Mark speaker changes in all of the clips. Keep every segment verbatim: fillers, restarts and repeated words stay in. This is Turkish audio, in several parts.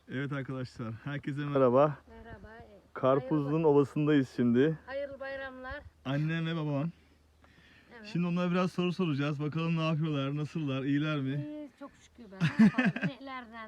Speaker 1: Evet arkadaşlar, herkese merhaba.
Speaker 2: Merhaba.
Speaker 1: Karpuzlu'nun
Speaker 2: Hayırlı,
Speaker 1: ovasındayız şimdi.
Speaker 2: hayırlı bayramlar.
Speaker 1: Annem ve babam.
Speaker 2: Evet.
Speaker 1: Şimdi onlara biraz soru soracağız. Bakalım ne yapıyorlar, nasıllar, iyiler mi?
Speaker 2: İyi, çok şükür ben. Ne yapalım? İneklerden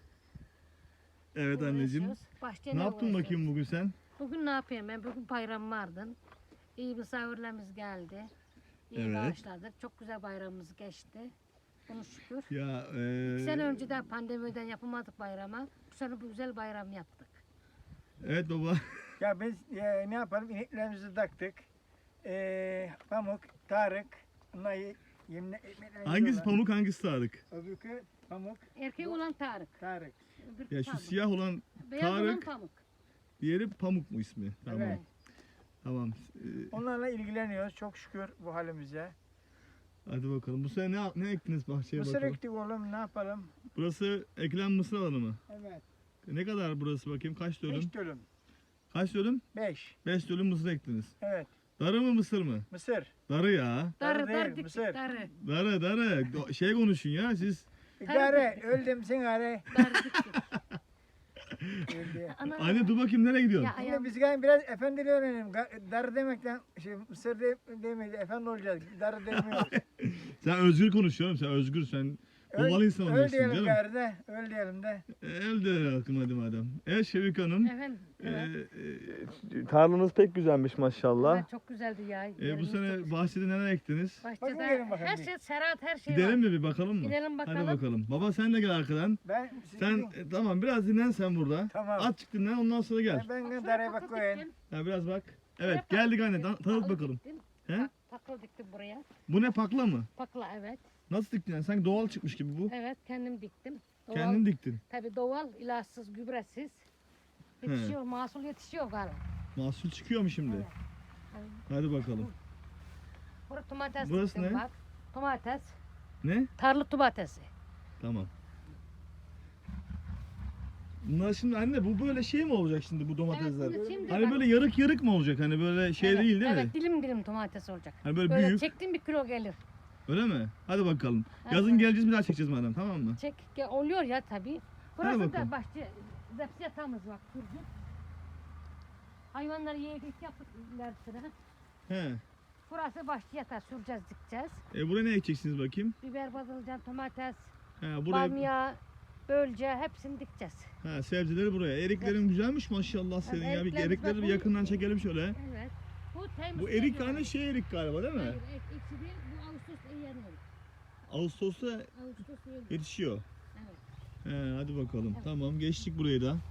Speaker 1: Evet anneciğim.
Speaker 2: uğraşıyoruz. Bahçeyle
Speaker 1: Ne yaptın
Speaker 2: uğraşıyoruz.
Speaker 1: bakayım bugün sen?
Speaker 2: Bugün ne yapayım ben? Bugün bayram vardı. İyi misafirlerimiz geldi. İyi
Speaker 1: Evet.
Speaker 2: bağışladık. Çok güzel bayramımız geçti. Bunu şükür.
Speaker 1: Ya
Speaker 2: İki
Speaker 1: eee,
Speaker 2: sene önceden pandemiden yapamadık bayrama. Bu sene bu güzel bayram yaptık.
Speaker 1: evet baba.
Speaker 3: Ya biz e, ne yapalım? İneklerimizi taktık. E, Pamuk, Tarık, bunlar ye- yemle, ekmeklerini
Speaker 1: Hangisi
Speaker 3: yiyorlar.
Speaker 1: pamuk, hangisi Tarık?
Speaker 3: Öbürkü Pamuk,
Speaker 2: Erkek olan Tarık.
Speaker 3: Tarık.
Speaker 2: Öbürkü
Speaker 1: Ya şu
Speaker 2: Pamuk.
Speaker 1: siyah olan
Speaker 2: Beyaz olan
Speaker 1: Tarık.
Speaker 2: Pamuk.
Speaker 1: Diğeri Pamuk mu ismi? Tamam.
Speaker 3: Evet.
Speaker 1: Tamam. Eee,
Speaker 3: Onlarla ilgileniyoruz. Çok şükür bu halimize.
Speaker 1: hadi bakalım. Bu sene ne, ne ektiniz bahçeye
Speaker 3: Mısır
Speaker 1: bakalım?
Speaker 3: ektik oğlum, ne yapalım?
Speaker 1: Burası ekilen mısır alanı mı?
Speaker 3: Evet.
Speaker 1: Ne kadar burası bakayım? Kaç dönüm?
Speaker 3: Beş dönüm.
Speaker 1: Kaç dönüm?
Speaker 3: Beş.
Speaker 1: beş dönüm mısır ektiniz.
Speaker 3: Evet.
Speaker 1: Darı mı mısır mı?
Speaker 3: Mısır.
Speaker 1: Darı ya.
Speaker 2: Darı
Speaker 3: Darı değil,
Speaker 2: darı diktik
Speaker 3: mısır.
Speaker 2: darı.
Speaker 1: Darı darı. Do- Şey konuşun ya siz.
Speaker 3: Gare, öldüm sen gare.
Speaker 2: Darı diktik.
Speaker 3: Öldü.
Speaker 2: Ana,
Speaker 1: Anne dur bakayım nereye gidiyorsun?
Speaker 2: Ya
Speaker 3: Şimdi
Speaker 2: ayağım.
Speaker 3: biz gayet biraz efendili öğrenelim. Ga- Darı demekten, şey, Mısır de, demeyiz, efendi olacağız. Darı demiyoruz.
Speaker 1: Sen özgür konuşuyorsun. Sen özgür. Sen ovalı insan
Speaker 3: öl
Speaker 1: oluyorsun
Speaker 3: diyelim
Speaker 1: canım.
Speaker 3: gari de, öl diyelim de.
Speaker 1: Elde akım hadi madem. Evet Şevik Hanım.
Speaker 2: Efendim. Evet.
Speaker 1: Ee, e, tarlanız pek güzelmiş maşallah.
Speaker 2: Evet, çok güzeldi ya.
Speaker 1: Ee, bu
Speaker 2: Yerimiz çok
Speaker 1: sene
Speaker 2: güzel.
Speaker 1: bahçede neler ektiniz?
Speaker 3: Bakın
Speaker 2: Bahçede
Speaker 3: gelin bakalım
Speaker 2: her
Speaker 3: bir.
Speaker 2: şey serat her şey
Speaker 1: Gidelim
Speaker 2: var.
Speaker 1: mi bir bakalım mı?
Speaker 2: Gidelim bakalım.
Speaker 1: Hadi bakalım. Baba sen de gel arkadan.
Speaker 3: Ben siz
Speaker 1: Sen
Speaker 3: gidin.
Speaker 1: e, tamam biraz dinlen sen burada.
Speaker 3: Tamam.
Speaker 1: Azıcık dinlen ondan sonra gel.
Speaker 3: Ben, ben
Speaker 2: Bak,
Speaker 3: de
Speaker 2: şuraya
Speaker 3: daraya bak
Speaker 2: takıl
Speaker 3: koyayım.
Speaker 2: diktim.
Speaker 1: Ha, biraz bak.
Speaker 2: Şuraya
Speaker 1: Evet
Speaker 2: takıl
Speaker 1: geldik anne.
Speaker 2: diktim.
Speaker 1: tan- Tanıt
Speaker 2: Takıl
Speaker 1: bakalım.
Speaker 2: diktim.
Speaker 1: He?
Speaker 2: Bak, takıl diktim buraya.
Speaker 1: Bu ne pakla mı?
Speaker 2: Pakla evet.
Speaker 1: Nasıl diktin yani? Sanki doğal çıkmış gibi bu.
Speaker 2: Evet kendim diktim. Doğal,
Speaker 1: Kendin diktin.
Speaker 2: Tabii doğal, ilaçsız, gübresiz. Yetişiyor, mahsul yetişiyor galiba.
Speaker 1: Mahsul çıkıyor mu şimdi?
Speaker 2: Evet. Evet.
Speaker 1: Hadi bakalım.
Speaker 2: Burası domates
Speaker 1: Burası
Speaker 2: diktim
Speaker 1: ne?
Speaker 2: bak. Domates.
Speaker 1: Ne?
Speaker 2: Tarlı domatesi.
Speaker 1: Tamam. Bunlar şimdi anne bu böyle şey mi olacak şimdi bu domatesler?
Speaker 2: Evet, bunu şimdi
Speaker 1: Hani
Speaker 2: bak-
Speaker 1: böyle yarık yarık mı olacak? Hani böyle şey
Speaker 2: Evet,
Speaker 1: değil değil
Speaker 2: evet,
Speaker 1: mi?
Speaker 2: dilim dilim domates olacak.
Speaker 1: Hani böyle,
Speaker 2: Böyle
Speaker 1: büyük.
Speaker 2: çektim bir kilo gelir.
Speaker 1: Öyle mi? Hadi bakalım.
Speaker 2: Evet.
Speaker 1: Yazın geleceğiz bir daha çekeceğiz madem tamam mı?
Speaker 2: Çek ge- oluyor ya tabii. Burası
Speaker 1: bakalım.
Speaker 2: da bahçe, zepsi yatağımız var kurcu. Hayvanları yedik yaptık ilerisine.
Speaker 1: He.
Speaker 2: Burası bahçe yatağı süreceğiz dikeceğiz.
Speaker 1: E buraya ne ekeceksiniz bakayım?
Speaker 2: Biber, patlıcan, domates,
Speaker 1: He buraya.
Speaker 2: bamya, bölce hepsini dikeceğiz.
Speaker 1: Ha sebzeleri buraya. Eriklerin güzelmiş maşallah senin ya. Bir
Speaker 2: eriklerimiz
Speaker 1: erikleri
Speaker 2: bak
Speaker 1: bir
Speaker 2: bu-
Speaker 1: yakından çekelim şöyle.
Speaker 2: Evet. Bu temiz.
Speaker 1: Bu erik hani şey erik galiba değil mi?
Speaker 2: Hayır, ek, eksi değil. Bu Ağustos eğleniyor.
Speaker 1: Ağustos'ta
Speaker 2: Ağustos eğleniyor.
Speaker 1: yetişiyor.
Speaker 2: Evet.
Speaker 1: He hadi bakalım.
Speaker 2: Evet.
Speaker 1: Tamam geçtik burayı da.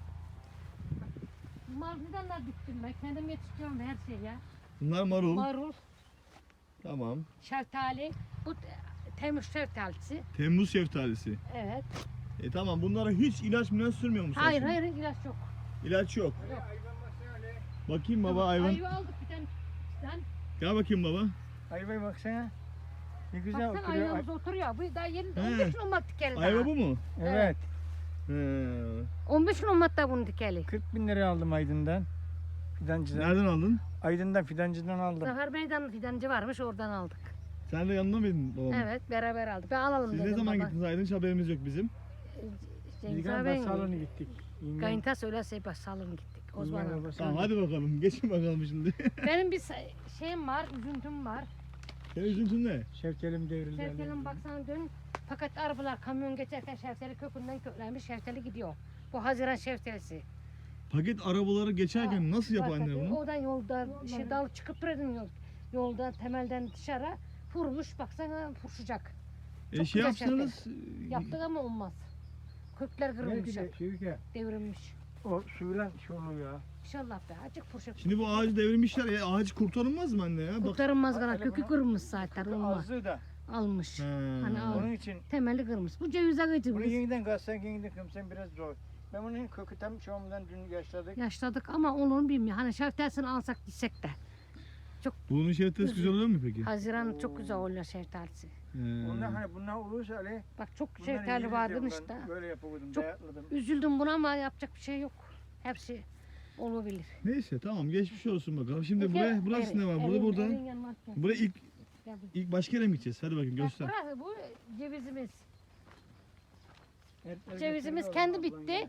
Speaker 2: Maruldan da diktim ben. Kendim yetiştiriyorum her şeyi ya.
Speaker 1: Bunlar marul.
Speaker 2: Marul,
Speaker 1: Tamam.
Speaker 2: şeftali. Bu te- temiz şeftalisi.
Speaker 1: Temmuz şeftalisi.
Speaker 2: Evet.
Speaker 1: E tamam bunlara hiç ilaç milaç sürmüyor musun?
Speaker 2: Hayır
Speaker 1: şimdi?
Speaker 2: hayır ilaç yok.
Speaker 1: İlaç yok.
Speaker 2: Yok.
Speaker 3: Ayva baksana öyle.
Speaker 1: Bakayım baba hayvan.
Speaker 2: Ayva aldık bir tane. Sen
Speaker 1: Gel bakayım baba.
Speaker 3: Ayvaya baksana. Ne güzel
Speaker 2: baksana
Speaker 3: oturuyor.
Speaker 2: ayvamız oturuyor. Bu daha yeni
Speaker 1: He.
Speaker 2: on beş gün olmadı dikeli daha.
Speaker 1: Ayva bu mu?
Speaker 3: Evet.
Speaker 1: He.
Speaker 2: on beş gün olmadı da bunu dikeli.
Speaker 3: kırk bin liraya aldım Aydın'dan. Fidancıdan.
Speaker 1: Nereden aldın?
Speaker 3: Aydın'dan fidancıdan aldım.
Speaker 2: Zafer Meydanı fidancı varmış oradan aldık.
Speaker 1: Sen de yanında mıydın babam?
Speaker 2: Evet beraber aldık. Ben alalım
Speaker 1: Siz
Speaker 2: dedim
Speaker 1: ne zaman
Speaker 2: baba.
Speaker 1: gittiniz Aydın? Hiç haberimiz yok bizim.
Speaker 3: Biz
Speaker 2: Cengiz
Speaker 3: galiba
Speaker 2: abi
Speaker 3: salona gittik. Yengem-
Speaker 2: Kayınta söylerse baş salon gittik. Osman
Speaker 3: yengem
Speaker 2: aldık.
Speaker 3: babası
Speaker 1: Tamam
Speaker 3: aldı.
Speaker 1: hadi bakalım. Geçin bakalım şimdi.
Speaker 2: Benim bir sa- şeyim var, üzüntüm var.
Speaker 1: Senin üzüntün ne?
Speaker 3: Şevkelim devrildi.
Speaker 2: Şeftalinin baksana dön. Fakat arabalar kamyon geçerken şeftali kökünden köklenmiş şeftali gidiyor. Bu Haziran şeftalisi.
Speaker 1: Paket arabaları geçerken nasıl yapar
Speaker 2: Bak,
Speaker 1: anne bunu?
Speaker 2: Oradan yolda şey dal çıkıp duradın yol. Yolda temelden dışarı vurmuş baksana furşacak.
Speaker 1: E
Speaker 2: çok
Speaker 1: şey
Speaker 2: güzel şeftali.
Speaker 1: yapsanız
Speaker 2: Yaptık ama olmaz. Kökler
Speaker 3: Belki
Speaker 2: kırılmış,
Speaker 3: de Şevke
Speaker 2: devrilmiş.
Speaker 3: o suyla şey oluyor ya.
Speaker 2: İnşallah be acık furşak.
Speaker 1: şimdi bu ağacı devirmişler ya ağacı kurtarılmaz mı anne ya? Bak.
Speaker 2: Kurtarılmaz gana
Speaker 3: Hele
Speaker 2: kökü
Speaker 3: bunu-
Speaker 2: kırılmış zaten olmaz.
Speaker 3: Azı da.
Speaker 2: Almış.
Speaker 1: He.
Speaker 2: Hani al.
Speaker 3: Onun için
Speaker 2: Temeli kırmış. Bu ceviz ağacı
Speaker 3: bunu
Speaker 2: biz
Speaker 3: yeniden kazsan yeniden kımsan biraz zor. Ben bunun kökü tam çoğumdan dün yaşladık.
Speaker 2: yaşladık ama onu bilmiyor. Hani şeftalisini alsak gitsek de.
Speaker 1: Bunun şeftesi güzel oluyor mu peki?
Speaker 2: Haziran çok güzel oluyor şeftalisi.
Speaker 1: He.
Speaker 3: Bunlar hani bunlar olursa öyle.
Speaker 2: Bak çok
Speaker 3: bunları
Speaker 2: şeftali
Speaker 3: yeriz
Speaker 2: vardı
Speaker 3: diyorum
Speaker 2: işte.
Speaker 3: ben. Böyle yapamadım,
Speaker 2: Çok-
Speaker 3: dayatladım.
Speaker 2: Üzüldüm buna ama yapacak bir şey yok. Hepsi olabilir.
Speaker 1: Neyse tamam geçmiş olsun bakalım. Şimdi
Speaker 2: Peki,
Speaker 1: buraya burası
Speaker 2: erin-
Speaker 1: ne var? Burada
Speaker 2: erin-
Speaker 1: burada.
Speaker 2: erin yanına atacağım.
Speaker 1: Buraya ilk
Speaker 2: Gel bir-
Speaker 1: ilk başka yere mi gideceğiz? Hadi bakayım
Speaker 2: Bak
Speaker 1: göster.
Speaker 2: burası bu cevizimiz.
Speaker 3: Her- her
Speaker 2: Cevizimiz
Speaker 3: götürüyor
Speaker 2: kendi
Speaker 3: ablan
Speaker 2: bitti.
Speaker 3: ya.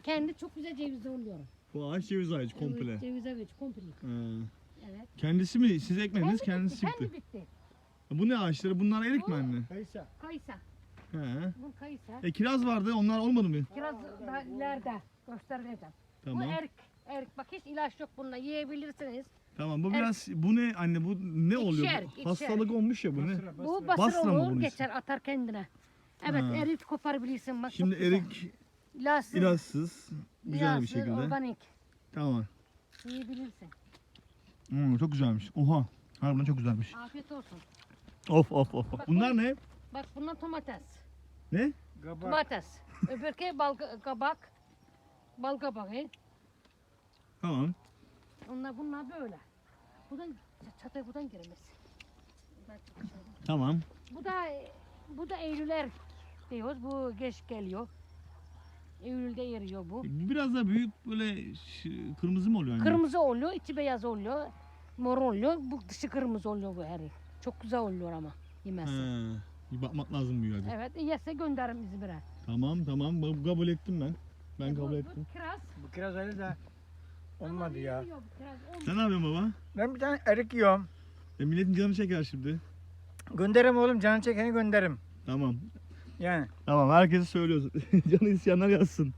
Speaker 2: kendi çok güzel cevizli oluyor.
Speaker 1: Bu ağaç ceviz ağacı komple.
Speaker 2: Evet, ceviz ağacı komple.
Speaker 1: Ha.
Speaker 2: Evet.
Speaker 1: Kendisi mi? Siz ekmediniz,
Speaker 2: Kendi
Speaker 1: kendisi
Speaker 2: bitti,
Speaker 1: çıktı.
Speaker 2: kendi bitti.
Speaker 1: Bu ne ağaçları? Bunlar erik mi anne?
Speaker 3: Kayısa.
Speaker 2: Kayısa.
Speaker 1: He.
Speaker 2: Bu kayısa.
Speaker 1: E kiraz vardı, onlar olmadı mı?
Speaker 2: Kiraz daha ileride göstereceğim.
Speaker 1: Tamam.
Speaker 2: Bu erik. Erik bak hiç ilaç yok bunda yiyebilirsiniz.
Speaker 1: Tamam, bu biraz, bu ne anne, bu ne oluyor?
Speaker 2: İçer,
Speaker 1: Bu
Speaker 2: içer.
Speaker 1: Hastalık olmuş ya bu ne?
Speaker 3: Basra,
Speaker 2: Bu
Speaker 3: basra.
Speaker 2: basır
Speaker 1: Basra mı
Speaker 2: olur
Speaker 1: bunun
Speaker 2: geçer atar kendine. Evet
Speaker 1: Ha.
Speaker 2: erik koparabilirsin bak.
Speaker 1: Şimdi
Speaker 2: çok güzel.
Speaker 1: erik
Speaker 2: İlaçsız,
Speaker 1: ilazsız, güzel bir
Speaker 2: ilaçsız,
Speaker 1: şekilde.
Speaker 2: organik.
Speaker 1: Tamam.
Speaker 2: Yiyebilirsin.
Speaker 1: Hmm, çok güzelmiş. Oha. Harbiden çok güzelmiş.
Speaker 2: Afiyet olsun.
Speaker 1: Of of of.
Speaker 2: Bak,
Speaker 1: Bunlar ne?
Speaker 2: Bak bunlar domates.
Speaker 1: Ne?
Speaker 3: Kabak.
Speaker 2: Domates. Öbürki bal kabak. Bal kabağı.
Speaker 1: Tamam.
Speaker 2: Onlar bunlar böyle. Buradan çatay buradan giremez. Ben çıkışım.
Speaker 1: Tamam.
Speaker 2: Bu da bu da Eylüler diyoruz. Bu geç geliyor. Eylül'de eriyor bu.
Speaker 1: Bu biraz daha büyük, böyle ş- kırmızı mı oluyor anne?
Speaker 2: Kırmızı oluyor, içi beyaz oluyor. Mor oluyor. Bu dışı kırmızı oluyor bu erik. Çok güzel oluyor ama yemesi.
Speaker 1: He. Bir bakmak lazım bu hadi.
Speaker 2: Evet, yese gönderirim İzmir'e.
Speaker 1: Tamam tamam, bu- kabul ettim ben. Ben
Speaker 2: E, bu-
Speaker 1: kabul
Speaker 2: bu
Speaker 1: ettim.
Speaker 2: kiraz.
Speaker 3: Bu kiraz öyle de olmadı
Speaker 2: Ama
Speaker 3: ya.
Speaker 2: eriyor bu kiraz, olmuyor.
Speaker 1: Sen ne yapıyorsun baba?
Speaker 3: Ben bir tane erik yiyorum.
Speaker 1: E, milletin canı çeker şimdi.
Speaker 3: Gönderim oğlum, canı çekeni gönderim.
Speaker 1: Tamam.
Speaker 3: Yani.
Speaker 1: Tamam, herkese söylüyorsun. Canı isteyenler yazsın.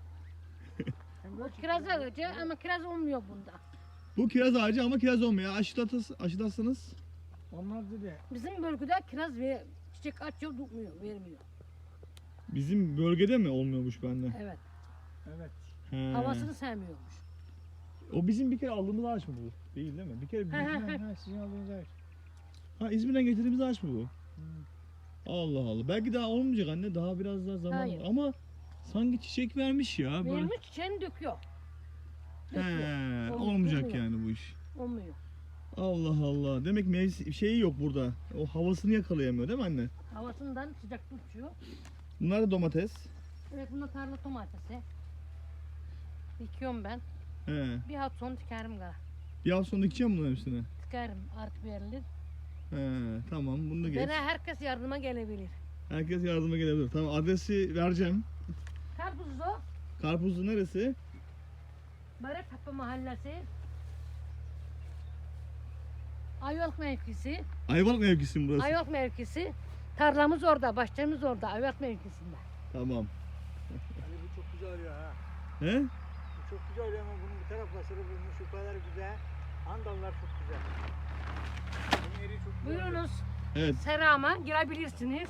Speaker 2: Bu kiraz ağacı ama kiraz olmuyor bunda.
Speaker 1: Bu kiraz ağacı ama kiraz olmuyor. Aşılatas, aşılatsanız.
Speaker 3: Olmaz dedi.
Speaker 2: Bizim bölgede kiraz ve çiçek açıyor, tutmuyor, vermiyor.
Speaker 1: Bizim bölgede mi olmuyormuş bende?
Speaker 2: Evet,
Speaker 3: Evet.
Speaker 1: He.
Speaker 2: havasını sevmiyormuş.
Speaker 1: O bizim bir kere aldığımız ağaç mı bu? Değil değil mi? Bir kere
Speaker 2: He, he.
Speaker 3: Ha, ha, sizin aldığınız ağaç.
Speaker 1: ha, İzmir'den getirdiğimiz ağaç mı bu?
Speaker 3: Hmm.
Speaker 1: Allah Allah. Belki daha olmayacak anne. Daha biraz daha zaman
Speaker 2: Hayır.
Speaker 1: var. Ama sanki çiçek vermiş ya. Böyle.
Speaker 2: Vermiş çiçeğini döküyor.
Speaker 1: He,
Speaker 2: Döküyor. Olmuyor,
Speaker 1: olmayacak
Speaker 2: olmuyor.
Speaker 1: yani bu iş.
Speaker 2: Olmuyor.
Speaker 1: Allah Allah. Demek mevsim şeyi yok burada. O havasını yakalayamıyor değil mi anne?
Speaker 2: Havasından sıcak tutuyor.
Speaker 1: Bunlar da domates.
Speaker 2: Evet, bunlar tarla domatesi. Dikiyorum ben.
Speaker 1: He.
Speaker 2: Bir hafta sonra dikerim gara.
Speaker 1: Bir hafta sonra dikeceğim bunların üstüne.
Speaker 2: Dikerim, artık verilir.
Speaker 1: He, tamam, bunu da geç.
Speaker 2: Bana herkes yardıma gelebilir.
Speaker 1: Herkes yardıma gelebilir. Tamam, adresi vereceğim.
Speaker 2: Karpuzlu,
Speaker 1: Karpuzlu neresi?
Speaker 2: Baretepe Mahallesi. Ayvalık mevkisi.
Speaker 1: Ayvalık mevkisi mi burası?
Speaker 2: Ayvalık mevkisi. Tarlamız orada, bahçemiz orada, Ayvalık mevkisinde.
Speaker 1: Tamam.
Speaker 3: Ali bu çok güzel oluyor ha.
Speaker 1: He?
Speaker 3: Bu çok güzel oluyor ama bunun bu tarafla sarı bulmuş, şu kadar güzel. Andallar çok güzel. Bunun eriği çok güzel. oluyor.
Speaker 2: Buyurunuz,
Speaker 1: Evet.
Speaker 2: serama girebilirsiniz.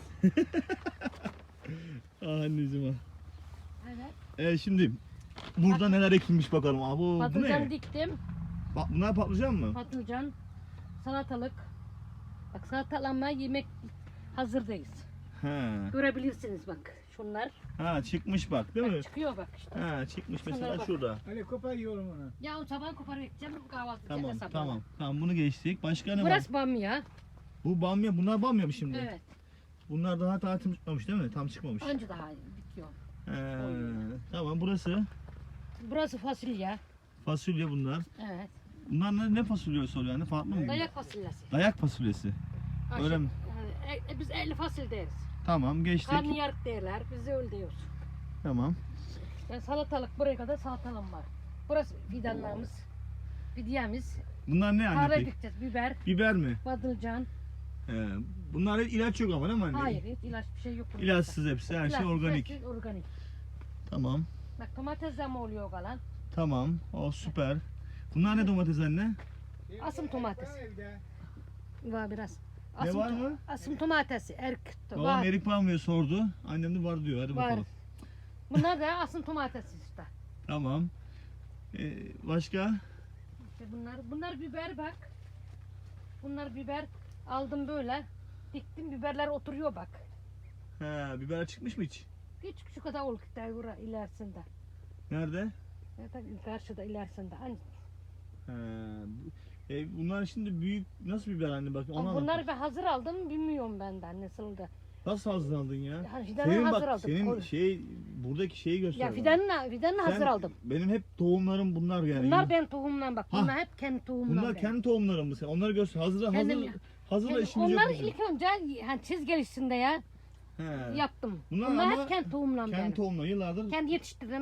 Speaker 1: Ah anneciğim. ah.
Speaker 2: Evet.
Speaker 1: Evet, şimdi burada neler ekilmiş bakalım. Aa, bu, bu
Speaker 2: Patlıcan
Speaker 1: ne?
Speaker 2: diktim.
Speaker 1: Bak, bunlar patlıcan mı?
Speaker 2: Patlıcan, salatalık. Bak salatalanma yemek hazırdayız.
Speaker 1: He.
Speaker 2: Görebilirsiniz bak şunlar.
Speaker 1: Ha, çıkmış bak değil mi?
Speaker 2: Bak, çıkıyor bak işte.
Speaker 1: Ha, çıkmış mesela
Speaker 2: Şunlara bak.
Speaker 1: şurada.
Speaker 3: Ali kopar yiyorum onu.
Speaker 2: Ya o sabah koparıp gideceğim kahvaltı
Speaker 1: Tamam
Speaker 2: edeceğiz sabah.
Speaker 1: tamam. Tamam, bunu geçtik. Başka ne var?
Speaker 2: Burası bamya.
Speaker 1: Bu bamya. Bunlar bamya mı şimdi?
Speaker 2: Evet.
Speaker 1: Bunlar daha tam çıkmamış değil mi? Tam çıkmamış.
Speaker 2: Anca daha bitiyor.
Speaker 1: He, tamam, burası
Speaker 2: Burası fasulye.
Speaker 1: fasulye bunlar.
Speaker 2: Evet.
Speaker 1: Bunlar ne, ne fasulyesi oluyor yani? Farklı mı?
Speaker 2: Dayak fasulyesi.
Speaker 1: Dayak fasulyesi.
Speaker 2: Aşı-
Speaker 1: Öyle mi?
Speaker 2: Yani, e, biz elli fasulye deriz.
Speaker 1: Tamam, geçtik.
Speaker 2: Karnıyarık derler. Biz de öyle diyoruz.
Speaker 1: Tamam.
Speaker 2: Yani salatalık buraya kadar salatalım var. Burası fidanlarımız. Fidyemiz.
Speaker 1: Bunlar ne anne
Speaker 2: Tarla
Speaker 1: peki?
Speaker 2: dikeceğiz. Biber,
Speaker 1: Biber mi?
Speaker 2: patlıcan.
Speaker 1: He, bunlar hep ilaç yok ama değil mi anne?
Speaker 2: Hayır, hiç ilaç bir şey yok. bunlarda.
Speaker 1: İlaçsız hepsi. Her şey
Speaker 2: İlaçsız,
Speaker 1: organik.
Speaker 2: hepsi organik.
Speaker 1: Tamam.
Speaker 2: Bak domates de mi oluyor kalan?
Speaker 1: Tamam. O süper. Bunlar ne domates anne?
Speaker 2: Asım domates.
Speaker 3: Var evde.
Speaker 2: Var biraz.
Speaker 1: Ne
Speaker 2: Asım
Speaker 1: var
Speaker 2: to-
Speaker 1: mı?
Speaker 2: Asım domatesi. Erk.
Speaker 1: Babam
Speaker 2: Var.
Speaker 1: erik var mı sordu. Annem de var diyor. Hadi
Speaker 2: Var.
Speaker 1: bakalım.
Speaker 2: Bunlar da asım domatesi işte.
Speaker 1: Tamam. Ee, başka?
Speaker 2: İşte bunlar, bunlar biber bak. Bunlar biber aldım böyle. Diktim biberler oturuyor bak.
Speaker 1: He, biber çıkmış mı hiç?
Speaker 2: Küçük şu kadar ol devura ilerisinde.
Speaker 1: Nerede?
Speaker 2: Zaten karşıda ilerisinde. Hani,
Speaker 1: He, bu- e, bunlar şimdi büyük nasıl biber anne bak ona
Speaker 2: bunları
Speaker 1: bak.
Speaker 2: ben hazır aldım bilmiyorum benden nasıldı.
Speaker 1: Nasıl hazırlandın ya?
Speaker 2: Yani fidanı
Speaker 1: Senin
Speaker 2: hazır
Speaker 1: bak
Speaker 2: aldım.
Speaker 1: senin
Speaker 2: Oğlum.
Speaker 1: şey buradaki şeyi göster.
Speaker 2: Ya
Speaker 1: bana.
Speaker 2: fidanını, fidanını
Speaker 1: Sen-
Speaker 2: hazır aldım.
Speaker 1: Benim hep tohumlarım bunlar yani.
Speaker 2: Bunlar ben tohumdan bak.
Speaker 1: Ha.
Speaker 2: Bunlar hep kendi tohumdan.
Speaker 1: Bunlar
Speaker 2: benim.
Speaker 1: kendi tohumların mı sen? Onları göster. Hazır hazır
Speaker 2: Kendim ya.
Speaker 1: hazırla
Speaker 2: Yani
Speaker 1: işimiz yok
Speaker 2: onları
Speaker 1: bizim.
Speaker 2: ilk önce hani çizgilisinde ya
Speaker 1: He.
Speaker 2: yaptım.
Speaker 1: Bunlar
Speaker 2: Bunlar,
Speaker 1: ama
Speaker 2: hep kendi tohumdan
Speaker 1: Kendi
Speaker 2: benim.
Speaker 1: tohumlar yıllardır.
Speaker 2: Kendi yetiştirdim. ha.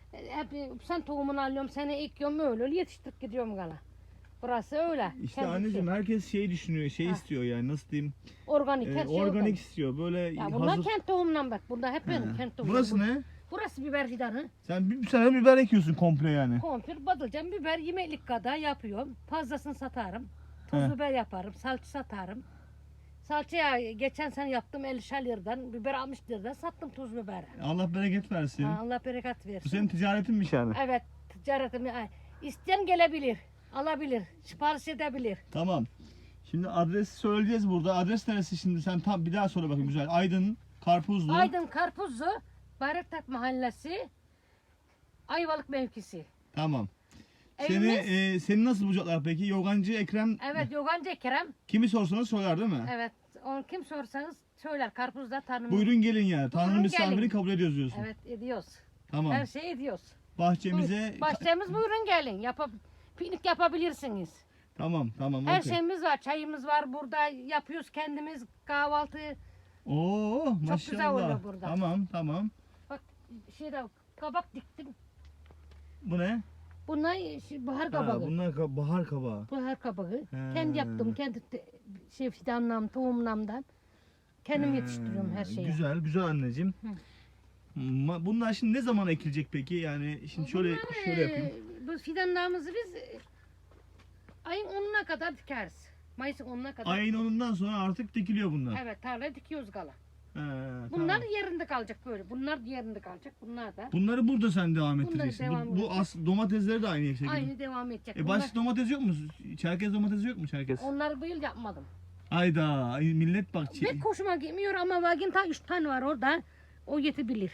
Speaker 2: Hep sen tohumunu alıyorum, seni ekiyorum öyle öyle yetiştirip gidiyorum gala. Burası öyle.
Speaker 1: İşte
Speaker 2: kendisi.
Speaker 1: anneciğim herkes şey düşünüyor, şey
Speaker 2: Ha.
Speaker 1: istiyor yani nasıl diyeyim,
Speaker 2: Organik
Speaker 1: e,
Speaker 2: her şey
Speaker 1: organik
Speaker 2: organik.
Speaker 1: istiyor böyle
Speaker 2: Ya bunlar
Speaker 1: hazır.
Speaker 2: kent tohumundan bak. Burada hep benim
Speaker 1: He.
Speaker 2: kent tohumum.
Speaker 1: Burası
Speaker 2: Bu-
Speaker 1: ne?
Speaker 2: Burası biber fidanı.
Speaker 1: Sen bir sene biber ekiyorsun komple yani.
Speaker 2: Konfir, badılcan, biber yemeklik kadar yapıyorum. Fazlasını satarım. Tuz
Speaker 1: He.
Speaker 2: biber yaparım. Salça satarım. Salçaya geçen sene yaptım elli liradan. Biber altmış liradan sattım tuz biberi.
Speaker 1: Allah bereket versin.
Speaker 2: Ha, Allah bereket versin.
Speaker 1: Bu senin ticaretinmiş yani.
Speaker 2: Evet, ticaretimi ay, isteyen gelebilir, alabilir, sipariş edebilir.
Speaker 1: Tamam. Şimdi adresi söyleyeceğiz burada. Adres neresi şimdi, sen tam bir daha söyle bakayım güzel. Aydın, Karpuzlu.
Speaker 2: Aydın Karpuzlu, Bayraktar Mahallesi, Ayvalık mevkisi.
Speaker 1: Tamam. Seni,
Speaker 2: Evimiz,
Speaker 1: e, seni nasıl bulacaklar peki? Yogancı Ekrem,
Speaker 2: evet Yogancı Kerem,
Speaker 1: kimi sorsanız söyler değil mi?
Speaker 2: evet onu kim sorsanız söyler Karpuz'da tanım.
Speaker 1: Buyurun gelin yani. Tanrı
Speaker 2: Buyurun
Speaker 1: misafiri
Speaker 2: gelin.
Speaker 1: kabul ediyoruz diyorsun.
Speaker 2: Evet ediyoruz,
Speaker 1: Tamam.
Speaker 2: her şeyi ediyoruz.
Speaker 1: Bahçemize...
Speaker 2: Buyur- Bahçemiz buyurun gelin, Yapab piknik yapabilirsiniz.
Speaker 1: Tamam tamam.
Speaker 2: Her
Speaker 1: okey.
Speaker 2: şeyimiz var, çayımız var burada, yapıyoruz kendimiz kahvaltı.
Speaker 1: Oo maşallah.
Speaker 2: güzel oluyor burada.
Speaker 1: Tamam tamam.
Speaker 2: Bak şeyde kabak diktim.
Speaker 1: Bu ne?
Speaker 2: Bunlar şey, bahar
Speaker 1: Ha,
Speaker 2: kabağı.
Speaker 1: bunlar ka- bahar kabağı.
Speaker 2: Bahar kabağı.
Speaker 1: He.
Speaker 2: Kendi yaptım. Kendi te- şey fidanlam, tohumlamdan. Kendim yetiştiriyorum her
Speaker 1: Ee,
Speaker 2: şeyi.
Speaker 1: Güzel güzel anneciğim.
Speaker 2: Hı.
Speaker 1: Ma- Bunlar şimdi ne zaman ekilecek peki? Yani şimdi şöyle
Speaker 2: Bunlar,
Speaker 1: şöyle yapayım.
Speaker 2: e, Bu fidanlarımızı biz e, ayın onuna kadar dikeriz. Mayıs'ın onuna kadar.
Speaker 1: Ayın onundan sonra artık dikiliyor bunlar.
Speaker 2: Evet, tarlaya dikiyoruz gala.
Speaker 1: He,
Speaker 2: Bunlar
Speaker 1: tamam.
Speaker 2: yerinde kalacak böyle. Bunlar yerinde kalacak. Bunlar da
Speaker 1: Bunları burada sen devam
Speaker 2: Bunları
Speaker 1: ettireceksin.
Speaker 2: devam
Speaker 1: bu, bu
Speaker 2: edeceğiz.
Speaker 1: as domatesleri de aynı şekilde.
Speaker 2: aynı devam edecek.
Speaker 1: E
Speaker 2: Bunlar,
Speaker 1: başka domates yok mu? Çerkez domatesi yok mu Çerkez?
Speaker 2: onları bu yıl yapmadım.
Speaker 1: Ayda ay millet bak. çi-
Speaker 2: Pek hoşuma gitmiyor ama vagin ta üç tane var orada. O yetebilir.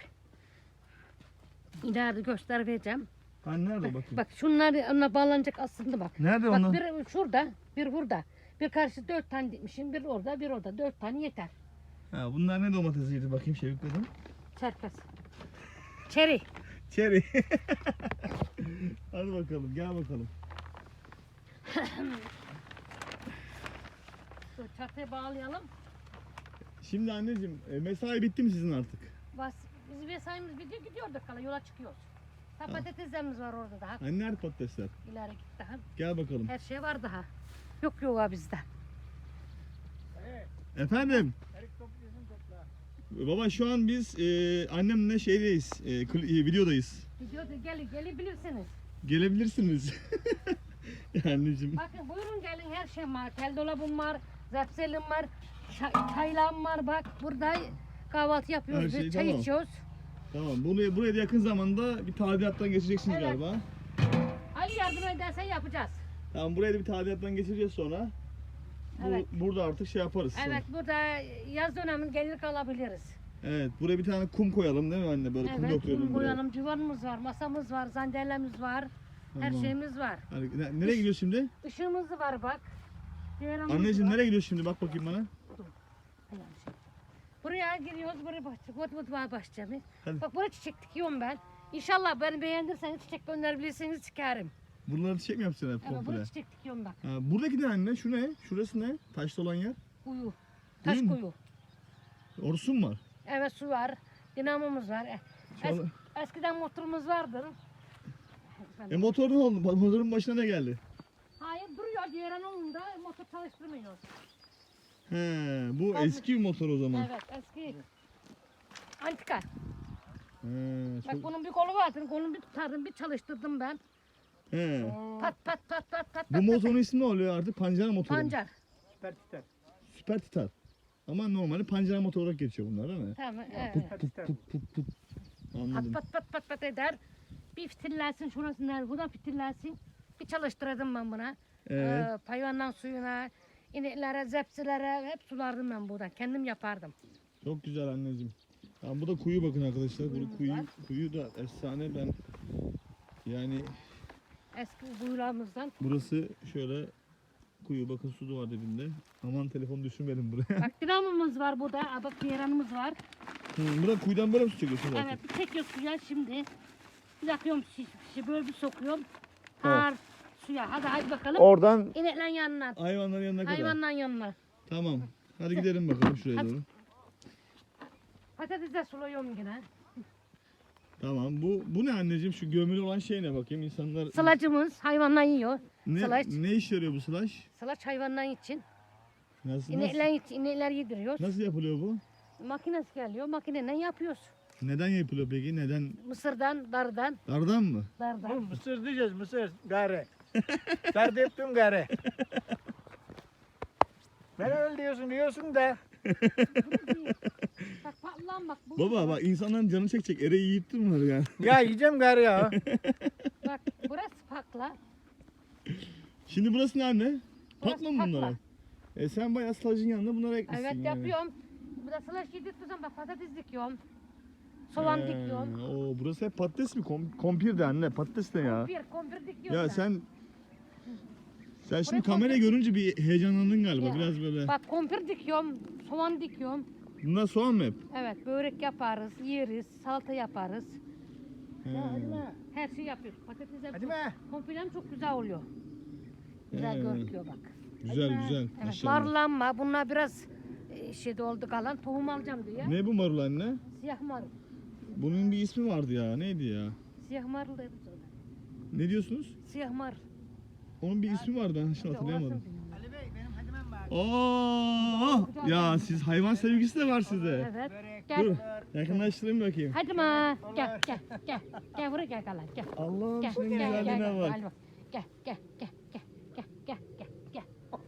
Speaker 2: İleride göster vereceğim.
Speaker 1: Ha, nerede bakayım?
Speaker 2: Bak şunlar ona bağlanacak aslında bak.
Speaker 1: Nerede
Speaker 2: Bak
Speaker 1: onlar?
Speaker 2: bir şurada, bir burada. Bir karşı dört tane dikmişim, bir orada, bir orada. Dört tane yeter.
Speaker 1: Ha, bunlar ne domatesiydi bakayım Şevik dedim.
Speaker 2: Çerkez. Çeri.
Speaker 1: Çeri. Hadi bakalım gel bakalım.
Speaker 2: Dur, çatıya bağlayalım.
Speaker 1: Şimdi anneciğim e, mesai bitti mi sizin artık?
Speaker 2: Bas, biz mesaimiz bitiyor, gidiyorduk kala yola çıkıyoruz. Ha, patateslerimiz var orada daha.
Speaker 1: Hani nerede patatesler?
Speaker 2: İleri git daha.
Speaker 1: Gel bakalım.
Speaker 2: Her şey var daha. Yok yok ha bizde.
Speaker 1: Efendim?
Speaker 3: Erik topluyorsun topla.
Speaker 1: Baba şu an biz e, annemle şeydeyiz. E, kli- e, videodayız.
Speaker 2: Gidiyordu, gel, gelebilirsiniz.
Speaker 1: Gelebilirsiniz. Ya anneciğim.
Speaker 2: Bakın buyurun gelin, her şey var. Tel dolabım var, zepselim var, çay, çaylağım var bak. Burada kahvaltı yapıyoruz,
Speaker 1: Her şey
Speaker 2: biz, çay
Speaker 1: tamam.
Speaker 2: içiyoruz.
Speaker 1: Tamam. Bunu buraya da yakın zamanda bir tadilattan geçireceksiniz
Speaker 2: Evet.
Speaker 1: galiba.
Speaker 2: Ali yardım edersen yapacağız.
Speaker 1: Tamam buraya da bir tadilattan geçireceğiz sonra. Bu,
Speaker 2: Evet.
Speaker 1: Burada artık şey yaparız. sonra.
Speaker 2: Evet, burada yaz döneminde gelir kalabiliriz.
Speaker 1: Evet. Buraya bir tane kum koyalım değil mi anne? Böyle kum
Speaker 2: Evet,
Speaker 1: döküyorum
Speaker 2: kum
Speaker 1: buraya.
Speaker 2: koyalım, civanımız var, masamız var, zandelemiz var, her
Speaker 1: Tamam.
Speaker 2: şeyimiz var.
Speaker 1: Hadi, ne- nereye gidiyoruz şimdi?
Speaker 2: Işığımız var bak. Civanımız
Speaker 1: Anneciğim
Speaker 2: var.
Speaker 1: nereye gidiyoruz şimdi? Bak bakayım bana.
Speaker 2: Ayağım şey. Buraya giriyoruz, buraya bahçe, vot vot var bahçemiz.
Speaker 1: Hadi.
Speaker 2: Bak buraya çiçek dikiyorum ben. İnşallah beni beğendirseniz, çiçek gönderebilirseniz çıkarım.
Speaker 1: Buraları çiçek mi yapacaksın hep
Speaker 2: Evet,
Speaker 1: komple?
Speaker 2: buraya çiçek dikiyorum bak.
Speaker 1: Ha, buradaki ne anne? Şu ne? Şurası ne? Taşlı olan yer.
Speaker 2: Kuyu. Taş
Speaker 1: Kuyu mu?
Speaker 2: kuyu.
Speaker 1: Orası mı var?
Speaker 2: Evet, su var. Dinamomuz var. E,
Speaker 1: Şu
Speaker 2: Es,
Speaker 1: an-
Speaker 2: eskiden motorumuz vardır.
Speaker 1: E motor ne oldu? Motorun başına ne geldi?
Speaker 2: Hayır, duruyor. Diğer onunda motor çalıştırmıyoruz.
Speaker 1: He, bu
Speaker 2: Tabii.
Speaker 1: eski bir motor o zaman.
Speaker 2: Evet, eski. Antika.
Speaker 1: He,
Speaker 2: Bak
Speaker 1: çok...
Speaker 2: bunun bir kolu vardı. Kolunu bir tutardım, bir çalıştırdım ben.
Speaker 1: He.
Speaker 2: Pat pat pat pat pat.
Speaker 1: Bu
Speaker 2: pat,
Speaker 1: motorun ismi ne oluyor artık? Pancara motoru. mu?
Speaker 2: Pancar.
Speaker 3: Süper titer.
Speaker 1: Süper Titar. Ama normalde pancara motor olarak geçiyor bunlar değil mi?
Speaker 2: Tamam, evet.
Speaker 3: Süper titer.
Speaker 1: Put put put.
Speaker 2: Pat
Speaker 1: Anladım.
Speaker 2: pat pat pat pat eder. Bir fitillensin şurası nerede? Buradan fitillensin. Bir çalıştırdım ben buna.
Speaker 1: Evet.
Speaker 2: Ee, hayvandan suyuna, ineklere, zepsilere hep sulardım ben buradan. Kendim yapardım.
Speaker 1: Çok güzel anneciğim. Tamam, bu da kuyu bakın arkadaşlar. Bu
Speaker 2: Kuyumuz
Speaker 1: kuyu,
Speaker 2: var.
Speaker 1: kuyu da efsane. Ben yani
Speaker 2: Eski kuyularımızdan.
Speaker 1: burası şöyle kuyu, bakın su da var dibinde. Aman telefon düşürmedim buraya.
Speaker 2: Bak dinamomuz var burada. Aa, bak yeranımız var.
Speaker 1: Hı, burada kuyudan böyle mi su çekiyorsun zaten?
Speaker 2: Evet, bir çekiyoruz suya şimdi. Bir yakıyorum şiş, şiş, böyle bir sokuyorum. Har suya. Hadi hadi bakalım.
Speaker 1: Oradan
Speaker 2: İneklerin yanına.
Speaker 1: hayvanların yanına kadar.
Speaker 2: Hayvanların yanına.
Speaker 1: Tamam. Hadi gidelim bakalım şuraya
Speaker 2: Hadi.
Speaker 1: doğru.
Speaker 2: Patates de suluyorum yine.
Speaker 1: Tamam. Bu bu ne anneciğim? Şu gömülü olan şey ne bakayım? İnsanlar
Speaker 2: Sılacımız hayvanlar yiyor.
Speaker 1: ne,
Speaker 2: Sılaç.
Speaker 1: ne işe yarıyor bu sılaç?
Speaker 2: Sılaç hayvanlar için.
Speaker 1: Nasıl, nasıl,
Speaker 2: İnekler, için, inekler yediriyoruz.
Speaker 1: nasıl yapılıyor bu?
Speaker 2: Makinesi geliyor. Makineyle yapıyoruz.
Speaker 1: Neden yapılıyor peki? Neden?
Speaker 2: Mısırdan, dardan,
Speaker 1: Dardan mı?
Speaker 3: Bu
Speaker 2: dardan.
Speaker 3: mısır diyeceğiz mısır. Gare. Dert ettim gare. Ben öyle diyorsun diyorsun da.
Speaker 2: Bak patlan bak. Bu,
Speaker 1: Baba bak insanların canı çekecek. Ereği yiyittin mi yani?
Speaker 3: Ya yiyeceğim gare ya.
Speaker 2: Bak burası pakla.
Speaker 1: Şimdi burası ne anne?
Speaker 2: Burası
Speaker 1: Patla mı bunlara?
Speaker 2: pakla.
Speaker 1: E sen bayağı sılacın yanında bunlara ekmişsin
Speaker 2: Evet
Speaker 1: yani.
Speaker 2: yapıyorum. Bu da sılaç yedirtiyorsam bak patates dikiyorum. Soğan
Speaker 1: He,
Speaker 2: dikiyorum.
Speaker 1: Oo, burası hep patates mi? Kom kompir de anne. Patates ne ya?
Speaker 2: Kompir, kompir dikiyorum.
Speaker 1: Ya
Speaker 2: ben.
Speaker 1: sen sen şimdi
Speaker 2: Buraya
Speaker 1: kamerayı
Speaker 2: kompir-
Speaker 1: görünce bir heyecanlandın galiba
Speaker 2: Ya,
Speaker 1: biraz böyle.
Speaker 2: Bak kompir dikiyorum, soğan dikiyorum.
Speaker 1: Bunlar soğan mı hep?
Speaker 2: Evet börek yaparız, yeriz, salata yaparız.
Speaker 1: He.
Speaker 3: Ya hadi be.
Speaker 2: Her şey yapıyoruz. Patates
Speaker 3: Hadi
Speaker 2: yapıyoruz.
Speaker 3: be.
Speaker 2: Kompirem çok güzel oluyor. Güzel
Speaker 1: He.
Speaker 2: görünüyor bak.
Speaker 1: Güzel
Speaker 3: Hadi be.
Speaker 1: güzel.
Speaker 2: Evet,
Speaker 1: Maşallah.
Speaker 2: marlanma. Bunlar biraz e, şeyde oldu kalan. Tohum alacağım diye.
Speaker 1: Ne bu marul anne?
Speaker 2: Siyah marul.
Speaker 1: Bunun bir ismi vardı ya. Neydi ya?
Speaker 2: Siyah marul deriz ona.
Speaker 1: Ne diyorsunuz?
Speaker 2: Siyah marul.
Speaker 1: Onun bir ismi vardı. Ben şimdi hatırlayamadım.
Speaker 2: Orasını bilmiyorum.
Speaker 3: Ali Bey benim hadimem var.
Speaker 1: Oo! Ya siz hayvan sevgisi de var sizde.
Speaker 2: Evet.
Speaker 3: Börek,
Speaker 2: Gel.
Speaker 1: Dur.
Speaker 3: olur.
Speaker 1: Yakınlaştırayım bakayım.
Speaker 2: Hadi ma. Gel gel gel. Gel buraya gel kalan. Gel.
Speaker 1: Allah'ım
Speaker 2: Gel
Speaker 1: senin
Speaker 2: gel gel.
Speaker 1: güzelliğine
Speaker 2: Gel
Speaker 1: bak.
Speaker 2: Hadi bak. Gel gel gel gel gel gel gel gel.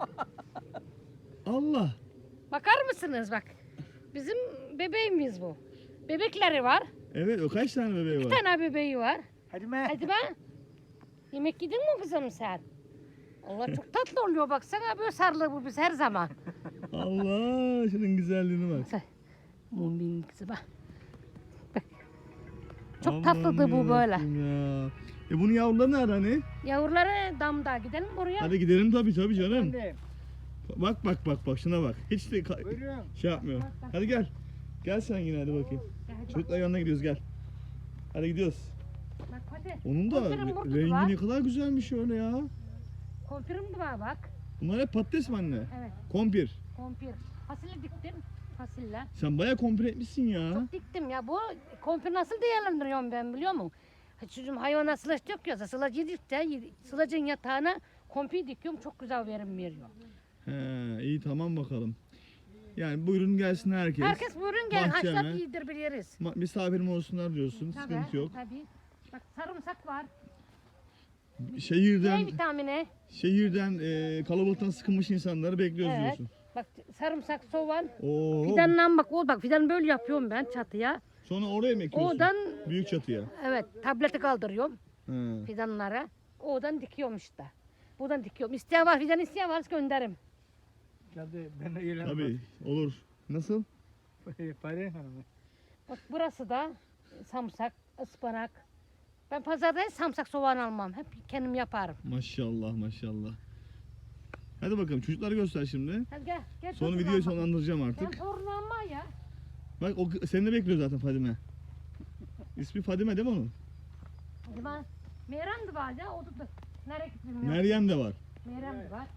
Speaker 1: Allah.
Speaker 2: Bakar mısınız bak. Bizim bebeğimiz bu. Bebekleri var.
Speaker 1: Evet o kaç tane bebeği
Speaker 2: Bir
Speaker 1: var?
Speaker 2: tane bebeği var.
Speaker 3: Hadi be.
Speaker 2: Hadi ben. Yemek yedin mi kızım sen? Allah çok tatlı oluyor baksana böyle sarılır bu biz her zaman.
Speaker 1: Allah şunun güzelliğine bak.
Speaker 2: Sen. Bu benim kızı bak. Bak. Çok
Speaker 1: Aman
Speaker 2: tatlıdır bu böyle.
Speaker 1: yarabbim Ya. E bunun yavruları nerede hani?
Speaker 2: Yavruları damda gidelim oraya.
Speaker 1: Hadi gidelim tabii tabii canım.
Speaker 3: Efendim.
Speaker 1: Bak bak bak bak şuna bak. Hiç de ka-
Speaker 3: Buyurun.
Speaker 1: şey yapmıyor.
Speaker 2: Bak, bak.
Speaker 1: Hadi gel. Gel sen yine hadi bakayım.
Speaker 2: Gel, hadi bak.
Speaker 1: Çocuklar yanına gidiyoruz gel. Hadi gidiyoruz.
Speaker 2: Bak hadi.
Speaker 1: Onun da
Speaker 2: Konfirim
Speaker 1: re-
Speaker 2: burada
Speaker 1: rengi
Speaker 2: var.
Speaker 1: ne kadar güzelmiş öyle ya.
Speaker 2: Konfirim de var bak.
Speaker 1: Bunlar hep patates mi anne?
Speaker 2: Evet
Speaker 1: Kompir.
Speaker 2: konfir. Fasulye diktim. Fasulye.
Speaker 1: Sen bayağı kompir etmişsin ya.
Speaker 2: Çok diktim ya. Bu konfir nasıl değerlendiriyorum ben biliyor musun? Çocuğum hayvana sılaç döküyorsa sılaç yedik de yedi- sılacın yatağına konfir dikiyorum. Çok güzel verim veriyor.
Speaker 1: He, iyi tamam bakalım. Yani buyurun gelsin herkes.
Speaker 2: Herkes buyurun gel
Speaker 1: bahçeme.
Speaker 2: haşlat yedir biliriz.
Speaker 1: Ma- misafirim olsunlar diyorsun.
Speaker 2: Tabii,
Speaker 1: Sıkıntı yok.
Speaker 2: Tabii. Bak sarımsak var.
Speaker 1: Şehirden
Speaker 2: C vitamini.
Speaker 1: şehirden e, kalabalıktan sıkılmış insanları bekliyoruz
Speaker 2: Evet.
Speaker 1: diyorsun.
Speaker 2: Bak sarımsak, soğan.
Speaker 1: Oo.
Speaker 2: Fidandan bak o bak fidan böyle yapıyorum ben çatıya.
Speaker 1: Sonra oraya mı ekiyorsun?
Speaker 2: Oradan
Speaker 1: Büyük çatıya.
Speaker 2: evet tableti kaldırıyorum
Speaker 1: He.
Speaker 2: fidanlara. Oradan dikiyorum işte. Buradan dikiyorum. İsteyen var fidan isteyen varsa gönderirim.
Speaker 3: Hadi ben de öyle.
Speaker 1: Tabii olur. Nasıl?
Speaker 3: Pare hanım.
Speaker 2: Bak burası da samsak, ıspanak. Ben pazarda hiç samsak soğan almam. Hep kendim yaparım.
Speaker 1: Maşallah maşallah. Hadi bakalım çocukları göster şimdi.
Speaker 2: Hadi gel. gel
Speaker 1: Sonra
Speaker 2: torunum
Speaker 1: videoyu
Speaker 2: alma.
Speaker 1: sonlandıracağım
Speaker 2: Sen
Speaker 1: artık.
Speaker 2: torunu alma ya.
Speaker 1: Bak o seni de bekliyor zaten Fadime. İsmi Fadime değil mi onun?
Speaker 2: Hadi ben. Meyrem de var ya. O da da. Nereye gitti bilmiyorum.
Speaker 1: Meryem de var.
Speaker 2: Meyrem de var.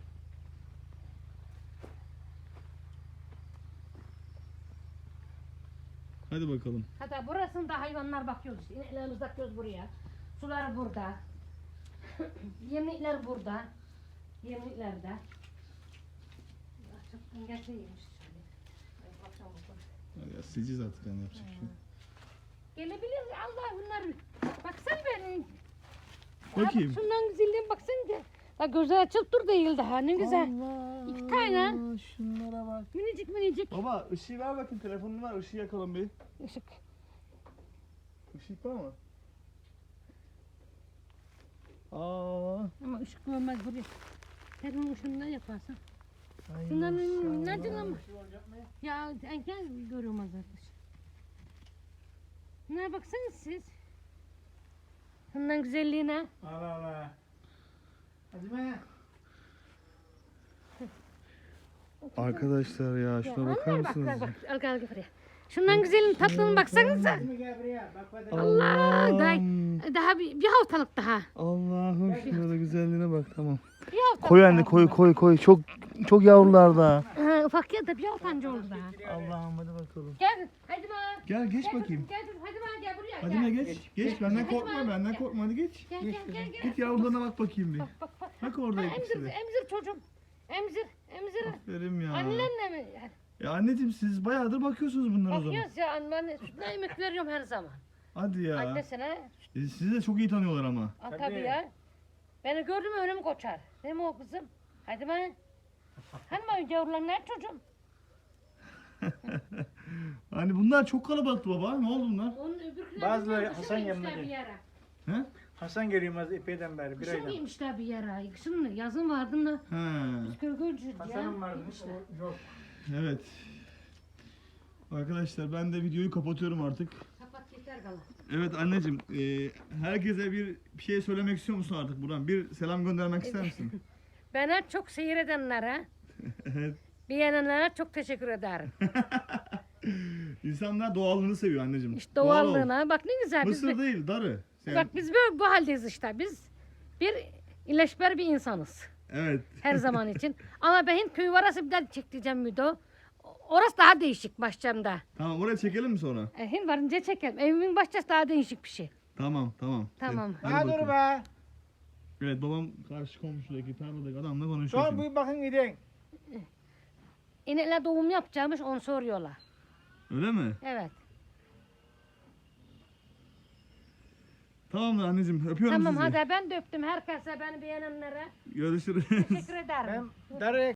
Speaker 1: Hadi bakalım.
Speaker 2: Hatta burasında hayvanlar bakıyoruz işte. İneklerimizi bakıyoruz buraya. Sular burada. Yemlikler burada. Yemlikler de. Çok getireymiş şöyle. Ay, bakalım bakalım.
Speaker 1: Hadi ya sileceğiz artık yani yapacak bir şey. yok.
Speaker 2: Gelebilir Allah bunlar. Baksan benim.
Speaker 1: Bakayım.
Speaker 2: Bak şundan güzelliğine baksan de. Bak gözler açıp dur değil daha ne güzel.
Speaker 3: Allah.
Speaker 2: İki tane.
Speaker 3: Şunlara bak.
Speaker 2: Minicik minicik.
Speaker 1: Baba ışığı ver bakayım telefonunu ver ışığı yakalım bir.
Speaker 2: Işık.
Speaker 1: Işık var mı? Aa.
Speaker 2: Ama ışık görmez buraya. Senin ışığından yaparsan.
Speaker 3: Ay
Speaker 2: Şundan
Speaker 3: maşallah.
Speaker 2: nereden ama? Ya enken görüyorum arkadaş. Bunlara baksanız siz. Bundan güzelliğine.
Speaker 3: Allah Allah. Hadi be.
Speaker 1: Arkadaşlar ya
Speaker 2: Ya,
Speaker 1: şuna bakar
Speaker 2: onlar bak,
Speaker 1: mısınız?
Speaker 2: bak, bak, al gel gel buraya. Şundan güzelin tatlının baksanıza.
Speaker 3: Gel buraya. Bak bak.
Speaker 2: Allah, day,
Speaker 1: Allah'ım.
Speaker 2: daha bir, bir haftalık daha.
Speaker 1: Allah'ım şuna da güzelliğine bak tamam.
Speaker 2: Bir haftalık
Speaker 1: Koy anne
Speaker 2: daha.
Speaker 1: koy koy koy. Çok çok yavrular da.
Speaker 2: Ha, ufak ya da bir haftancı oldu daha.
Speaker 1: Allah'ım hadi bakalım.
Speaker 2: Gel, hadi ma.
Speaker 1: Gel geç
Speaker 2: Gel
Speaker 1: bakayım.
Speaker 2: kızım, Gel kızım, hadi ma gel buraya.
Speaker 1: Hadi
Speaker 2: gel.
Speaker 1: ne geç. Geç benden
Speaker 2: Hadi
Speaker 1: korkma
Speaker 2: bak.
Speaker 1: benden korkma hadi geç.
Speaker 2: Gel gel gel gel.
Speaker 1: Git yavrularına bak bakayım bir.
Speaker 2: Bak bak bak.
Speaker 1: Bak
Speaker 2: Ha,
Speaker 1: orada
Speaker 2: emzir,
Speaker 1: ikisi de.
Speaker 2: emzir çocuğum. Emzir, emzir.
Speaker 1: Aferin ya.
Speaker 2: Annenle mi?
Speaker 1: Ya anneciğim siz bayağıdır bakıyorsunuz bunlara o zaman.
Speaker 2: Bakıyoruz ya, anne sütüne yemek veriyorum her zaman.
Speaker 1: Hadi ya.
Speaker 2: Annesine,
Speaker 1: E, sizi de çok iyi tanıyorlar ama.
Speaker 2: al
Speaker 3: Tabii.
Speaker 2: tabii ya. Beni gördü mü önümü koçar. Değil mi o kızım? Hadi ma. Hani ma yavrular nerede çocuğum?
Speaker 1: Hani bunlar çok kalabalıktı baba. Ne oldu bunlar?
Speaker 2: Onun öbürküler
Speaker 3: Bazıları
Speaker 2: bilmiyorum,
Speaker 3: Hasan
Speaker 2: kışın
Speaker 3: yanına
Speaker 2: giymişler bir
Speaker 3: gidiyor.
Speaker 2: yere.
Speaker 1: He?
Speaker 3: Hasan geliyor az epeyden beri. Bir
Speaker 2: Kışın
Speaker 3: aydan.
Speaker 2: giymişler bir yere. Kışın yazın vardı da
Speaker 1: He.
Speaker 2: biz gölgölcüydük ya.
Speaker 3: Hasan'ın vardı.
Speaker 2: Giymişler.
Speaker 3: o Yok.
Speaker 1: Evet. Arkadaşlar ben de videoyu kapatıyorum artık.
Speaker 2: Kapat yeter kalan.
Speaker 1: Evet anneciğim, e, herkese bir bir şey söylemek istiyor musun artık buradan? Bir selam göndermek ister misin?
Speaker 2: Bana çok seyredenlere,
Speaker 1: Evet.
Speaker 2: beğenenlere çok teşekkür ederim.
Speaker 1: İnsanlar doğallığını seviyor anneciğim.
Speaker 2: İşte
Speaker 1: Doğal ol.
Speaker 2: doğallığına bak ne güzel. Biz,
Speaker 1: Mısır değil, darı. Sen-
Speaker 2: bak biz böyle bu haldeyiz işte. Biz bir iyileşber bir insanız.
Speaker 1: Evet.
Speaker 2: Her zaman için. Ama ben Hint köyü varası bir daha çektireceğim video. Orası daha değişik Başçam'da.
Speaker 1: Tamam oraya çekelim mi sonra?
Speaker 2: E, Hint varınca çekelim. Evimin bahçesi daha değişik bir şey.
Speaker 1: Tamam tamam.
Speaker 2: Tamam.
Speaker 1: Hadi
Speaker 3: Ha dur
Speaker 1: bakalım.
Speaker 3: be.
Speaker 1: Evet babam karşı komşudaki tarladaki adamla konuşuyor
Speaker 3: Son
Speaker 1: şimdi.
Speaker 3: bir bakın gidin.
Speaker 2: İnekler doğum yapacakmış onu soruyorlar.
Speaker 1: Öyle mi?
Speaker 2: Evet.
Speaker 1: Tamam da anneciğim öpüyorum
Speaker 2: Tamam
Speaker 1: sizi.
Speaker 2: hadi ben de öptüm herkese beni beğenenlere.
Speaker 1: Görüşürüz.
Speaker 2: Teşekkür ederim.
Speaker 3: Ben darı